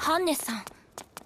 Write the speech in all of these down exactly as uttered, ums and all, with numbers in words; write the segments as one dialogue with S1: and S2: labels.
S1: ハンネさん。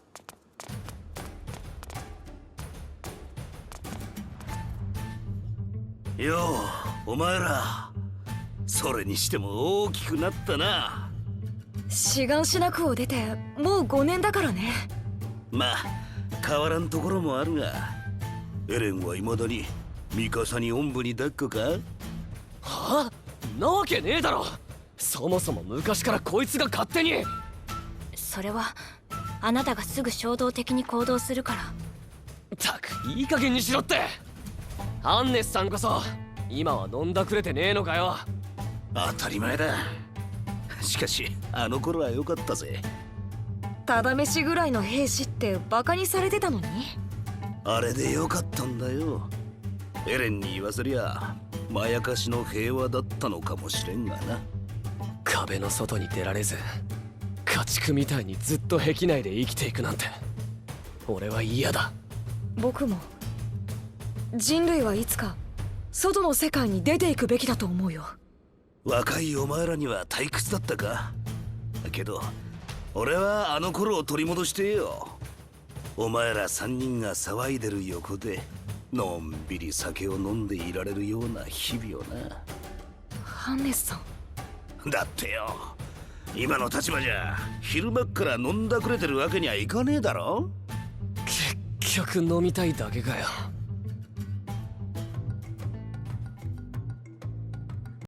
S2: よう、お前ら。それにしても大きくなったな。
S3: シガンシナ区を出てもうごねんだからね。
S2: まあ変わらんところもあるが、エレンはいまだにミカサにおんぶに抱っこか？
S4: はあ？なわけねえだろ。そもそも昔からこいつが勝手に。
S1: それはあなたがすぐ衝動的に行動するから。
S4: ったくいい加減にしろって。アンネスさんこそ今は飲んだくれてねえのかよ。
S2: 当たり前だ。しかしあの頃は良かったぜ。
S3: ただ飯ぐらいの兵士ってバカにされてたのに。
S2: あれで良かったんだよ。エレンに言わせりゃまやかしの平和だったのかもしれんがな。
S4: 壁の外に出られず家畜みたいにずっと壁内で生きていくなんて俺は嫌だ。
S3: 僕も人類はいつか外の世界に出ていくべきだと思うよ。
S2: 若いお前らには退屈だったか。けど俺はあの頃を取り戻してよ。お前ら三人が騒いでる横でのんびり酒を飲んでいられるような日々をな。
S3: ハンネスさん。
S2: だってよ、今の立場じゃ昼間っから飲んだくれてるわけにはいかねえだろ。
S4: 結局飲みたいだけかよ。